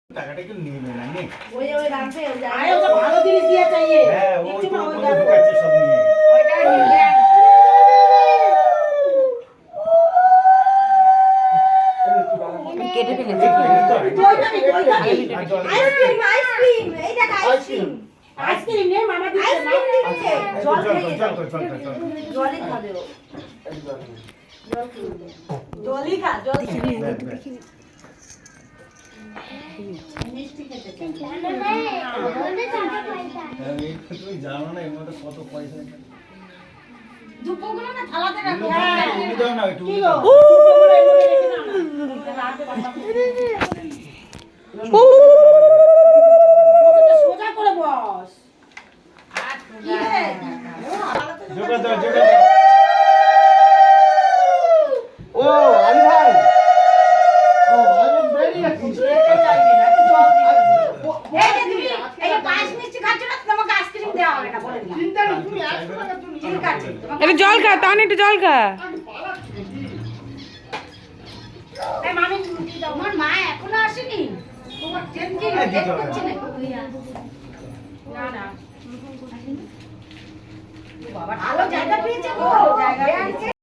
টাকাটা একটু নিয়ে নেন আইনে ওই রাখবে ওই যায় আরে ওটা ভালো জিনিস দিয়ে চাইয়ে হ্যাঁ ওই একটু তো না ওই ওই ঢুকাচ্ছে সব নিয়ে ওইটা নিবে কেটে ফেলেছি আইসক্রিম এই দেখ আইসক্রিম আইসক্রিম নে মামা দিচ্ছে না জল চল খেয়ে চল চল চল জলই খাবে ও জলই খা জল মিষ্টি খেতে চাই তুমি জানো না এর মধ্যে কত পয়সা দুপুরগুলো না থালাতে রাখো তুমি দাও না একটু কি গো সোজা করে বস জোগা দাও জোগা দাও ও আলী ভাই ও আমি বেরি আছি খেতে চাইবে না একটু জল দিবে এই যে তুমি এই পাঁচ মিষ্টি খাচ্ছ না তোমাকে আইসক্রিম দেওয়া হবে না বলে দিলাম চিন্তা নেই তুমি আসো না তুমি ঠিক আছে একটু জল খা তাহলে একটু জল খা এই মামি তোমার মা এখনো আসেনি তোমার ট্রেন কি লেট করছে না না বাবা ভালো জায়গা পেয়েছে গো জায়গা পেয়েছে